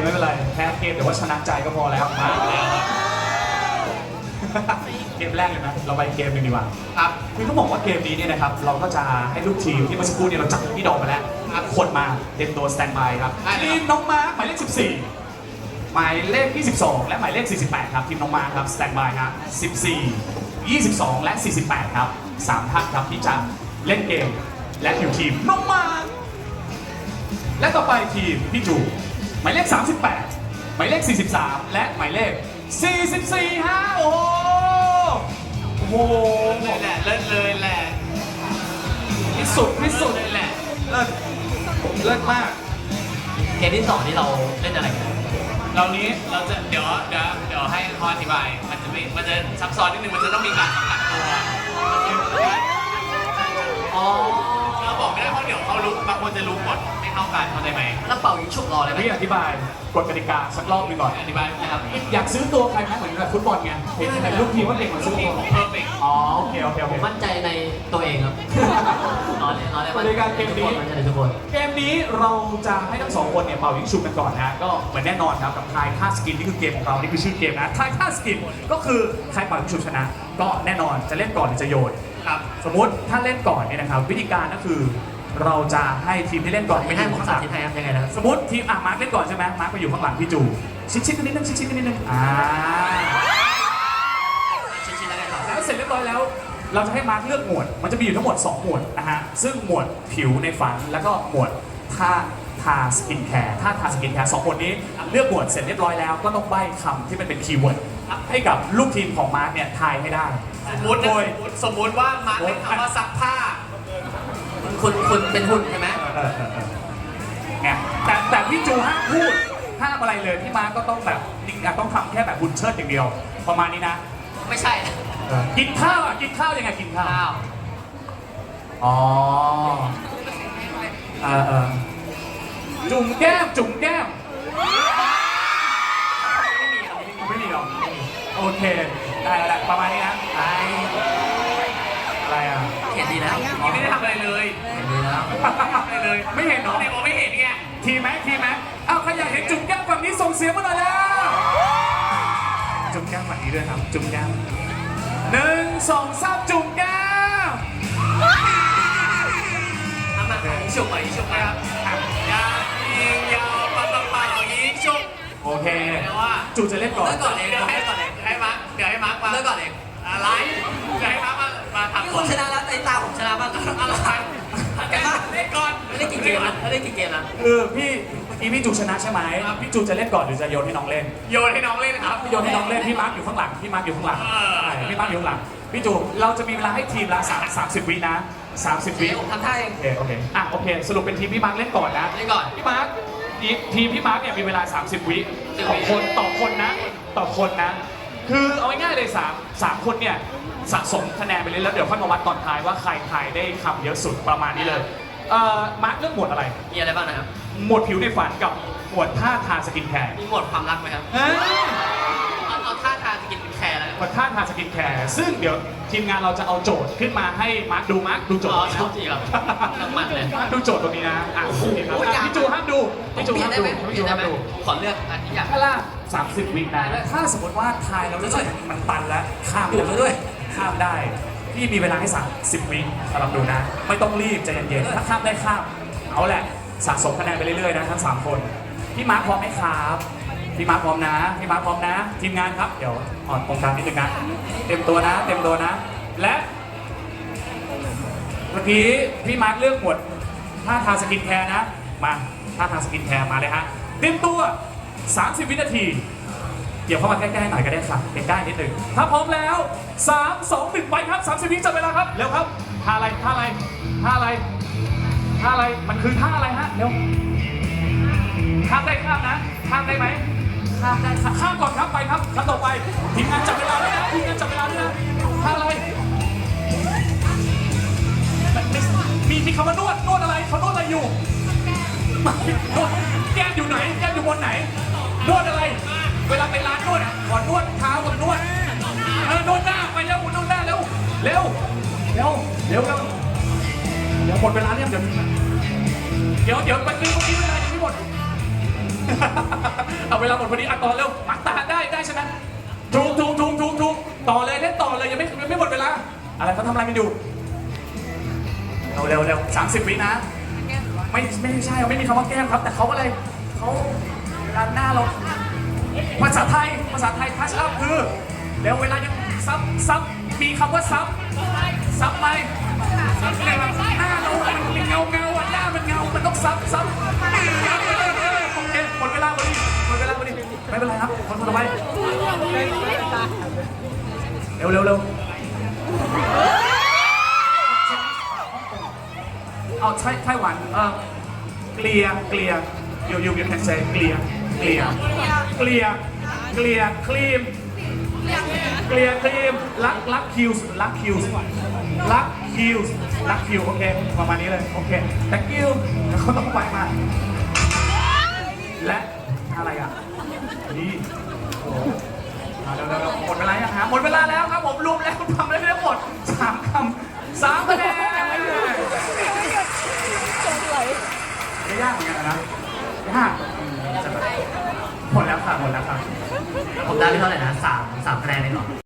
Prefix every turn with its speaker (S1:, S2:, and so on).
S1: ไม่เป็นไรแพ้เกมแต่ว่าชนะใจก็พอแล้วมาแล้วเกมแรกเลยนะเราไปเกมหนึ่งดีกว่าครับคือต้องบอกว่าเกมนี้เนี่ยนะครับเราก็จะให้ลูกทีมที่เมื่อสักครู่เนี่ยเราจับพี่ดอกมาแล้วคนมาเตรียมตัวสแตนบายครับทีมน้องมาร์คหมายเลข14หมายเลข22และหมายเลข48ครับทีมน้องมาร์คครับสแตนบายครับ14 22และ48ครับ3ท่านครับที่จะเล่นเกมและอยู่ทีมน้องมาร์คและต่อไปทีมพี่จูหมายเลข38หมายเลข43และหมายเลข44ฮะโอ้โห
S2: เลยแหละเลิศเลยแหละ
S1: ที่สุด
S2: เลยแหละ
S1: เลิศมาก
S3: เกมที่2นี่เราเล่นอะไรกัน
S2: เราจะเดี๋ยวให้เขาอธิบายมันจะซับซ้อนนิดนึงมันจะต้องมีการสัมผัสตัว
S3: อ๋อ
S2: เราบอกไม่ได้เพราะเดี๋ยวเขารู้บางคนจะรู้หมดไม่เท่ากันเข้าใจไหม
S3: แล้วเป่ายิงฉุบรอเลยไหม
S1: พี่อธิบายกฎกติกาสักรอบหนึ่งก่อน
S2: อธิบายนะครับ
S1: อยากซื้อตัวใครไหมเหมือนกับฟุตบอลไงเห็นลูกทีมว่าเด็กเหมือนซื้อตัว
S2: ของเพอร์เฟกต์
S1: อ๋อโอเค
S3: ผมมั่นใจในตัวเองครับนอนเลย
S1: ในการเกมนี้
S3: ทุกคน
S1: เกมนี้เราจะให้ทั้งสองคนเนี่ยเป่ายิงฉุบกันก่อนนะก็เหมือนแน่นอนครับกับทายท่าสกินนี่คือเกมของเรานี่คือชื่อเกมนะทายท่าสกินก็คือใครเป่ายิงฉุบชนะก็แน่นอนจะเล่นก่อนหรือจะโยน
S2: ครับ
S1: สมมติถ้าเล่นก่อนเนี่ยนะครับวิธีการก็คือเราจะให้ทีมที่เล่นก่อน
S3: ไม่ให้ผมสาธิตให้ครับยังไงนะ
S1: สมมติทีมมาร์คเล่นก่อนใช่ไหมมาร์คไปอยู่ข้างหลังพี่จูชิดกันนิดนึงชิดกันนิดนึงแล้วเสร็จเรียบร้อยแล้วเราจะให้มาร์คเลือกหมวดมันจะมีอยู่ทั้งหมด2หมวดนะฮะซึ่งหมวดผิวในฝันแล้วก็หมวดท่าทาสกินแคร์2หมวดนี้เลือกหมวดเสร็จเรียบร้อยแล้วก็ต้องใบ้คำที่มันเป็นคีย์เวิร์ดให้กับลูกทีมของมาร์คเนี่ยทายให้ได้
S2: สมมติว่ามาร์คเล่นคำว่าซักผ้า
S3: คุณเป็นหุ่นใช่ไหม
S1: เนี่ยแต่พี่จูห้ามพูดห้ามอะไรเลยพี่มาร์คก็ต้องแบบต้องทำแค่แบบบุญเชิดอย่างเดียวประมาณนี้นะ
S3: ไม่ใช่
S1: กินข้าวยังไงกินข้าวอ๋อจุ่มแก้มไม่มีหรอกโอเคได้แล้วประมาณนี้นะอะไรอ่ะ
S3: เห็นดีนะ
S2: ไม่ได้ทำอะไรเลย
S3: เห็นดีนะ
S2: อะไรเลย
S1: ไม่เห็นหรอ
S2: ไม่เห็นไง
S1: ทีไหมเอาใครอยากเห็นจุ่มแก้มฝั่งนี้ส่งเสียงมาหน่อยแล้วจุ่มแก้มฝั่งนี้ด้วยครับจุ่มแก้ม1 2 3จุ่มแก้ม
S2: ทำมาฉุบครับยายิงยาวปะยิงฉุบ
S1: โอเคจูจะเล่นก่อน
S2: เดี๋ยวให้มาร์คมา
S3: เล่นก่อนเอง
S2: อะไรเดี๋ยวให้มาร์คมาทำ
S3: คุณชนะแล้วในตาผมชนะบ้าง
S2: อะไรเล่นก่อน
S3: เล่นกี่เกมนะ
S1: พี่จูชนะใช่ไหมพี่จูจะเล่นก่อนหรือจะโยนให้น้องเล่น
S2: ครับ
S1: โยนให้น้องเล่นพี่มาร์คอยู่ข้างหลังพี่มาร์คอยู่ข้างหลังพี่จูเราจะมีเวลาให้ทีมละ30 วินะ30 วิ
S3: ผมทำท่าเอง
S1: โอเคสรุปเป็นทีมพี่มาร์คเล่นก่อนนะพี่มาร์คทีมพี่มาร์คเนี่ยมีเวลา30 วิต่อคนนะคือเอาง่ายๆเลย3คนเนี่ยสะสมคะแนนไปเลยแล้วเดี๋ยวค่อยมาวัดตอนท้ายว่าใครทายได้คำเยอะสุดประมาณนี้เลยมาร์คเลือกหมวดอะไร
S3: มีอะไรบ้างนะครับ
S1: หมวดผิวในฝันกับหมวดท่าทางสกินแคร์
S3: มีหมวดความรักไหมครับเอาท่าทางสกินแคร์แล้ว
S1: หมวดท่าทางสกินแคร์ซึ่งเดี๋ยวทีมงานเราจะเอาโจทย์ขึ้นมาให้มาร์คดูโจทย์
S3: ชอบจริงครับน้ำมันเลย
S1: ดูโจทย์ตรงนี้นะพี่จูห้ามดู
S3: ขอเลือกอันที่อยาก
S1: ถ้าล่ะ30 วินะถ้าสมมติว่าทายเรารู้สึกมันตันแล้วข้ามได้พี่มีเวลาให้30 วิสำหรับดูนะไม่ต้องรีบใจเย็นๆถ้าข้ามได้ข้ามเอาแหละสะสมคะแนนไปเรื่อยๆนะทั้ง3คนพี่มาร์คพร้อมไหมครับพี่มาร์คพร้อมนะทีมงานครับเดี๋ยวอ่อนตรงกลางนิดนึงนะเต็มตัวนะและเมื่อกี้พี่มาร์คเลือกหมวดท่าทางสกินแคร์นะมาท่าทางสกินแคร์มาเลยฮะเต็มตัว30 วินาทีเดี๋ยวเข้ามาใกล้ๆหน่อยก็ได้ค่ะใกล้ๆนิดนึงถ้าพร้อมแล้ว3 2 1ไปครับ30 วิจับเวลาครับเร็วครับท่าอะไรมันคือท่าอะไรฮะเร็วข้ามได้ไหมข้ามได้ข้ามก่อนครับไปครับขั้นต่อไปทีมงานจับเวลาด้วยนะท่าอะไรมีคำว่านวดอะไรเขานวดอะไรอยู่นวดแก้มอยู่ไหนแก้มอยู่บนไหนนวดอะไรเวลาไปร้านนวดก่อนนวดเท้าก่อนนวดนวดหน้าไปแล้วนวดหน้าเร็วหมดเวลาเนี่ยเดี๋ยวไปซื้อเมื่อกี้เวลายังไม่หมดวลาหมดพอดีอ่ะต่อเร็วมักตาได้ใช่ไหมถูกต่อเลยเล่นต่อเลยยังไม่หมดเวลาอะไรเขาทำอะไรกันอยู่เร็ว30 วินะไม่ใช่ไม่มีคำว่าแก้มครับแต่เขาอะไรเขาด้านหน้าเราภาษาไทยทัชอัพคือเร็วเวลายังซับมีคำว่าซับไหมซับอะไรแบบหน้าเรามันเป็นเงาอ่ะหน้ามันเงามันต้องซับโอเคหมดเวลาพอดีไม่เป็นไรครับคนต่อไปเร็วเอาไต้หวันเกลียyou can say เกลียครีมรักคิวโอเคประมาณนี้เลยโอเค thank you แล้วเขาต้องไปมาและอะไรอ่ะนี่เร็วหมดเวลายังหาหมดเวลาแล้วครับผมรวมแล้วทำได้ทั้งหมด3 คำ 3 คะแนนไม่ยากเหมือนกันนะยากหมดแล้วค่ะ
S3: ผมได้ที่เท่าไหร่นะ3 คะแนนเองเหรอ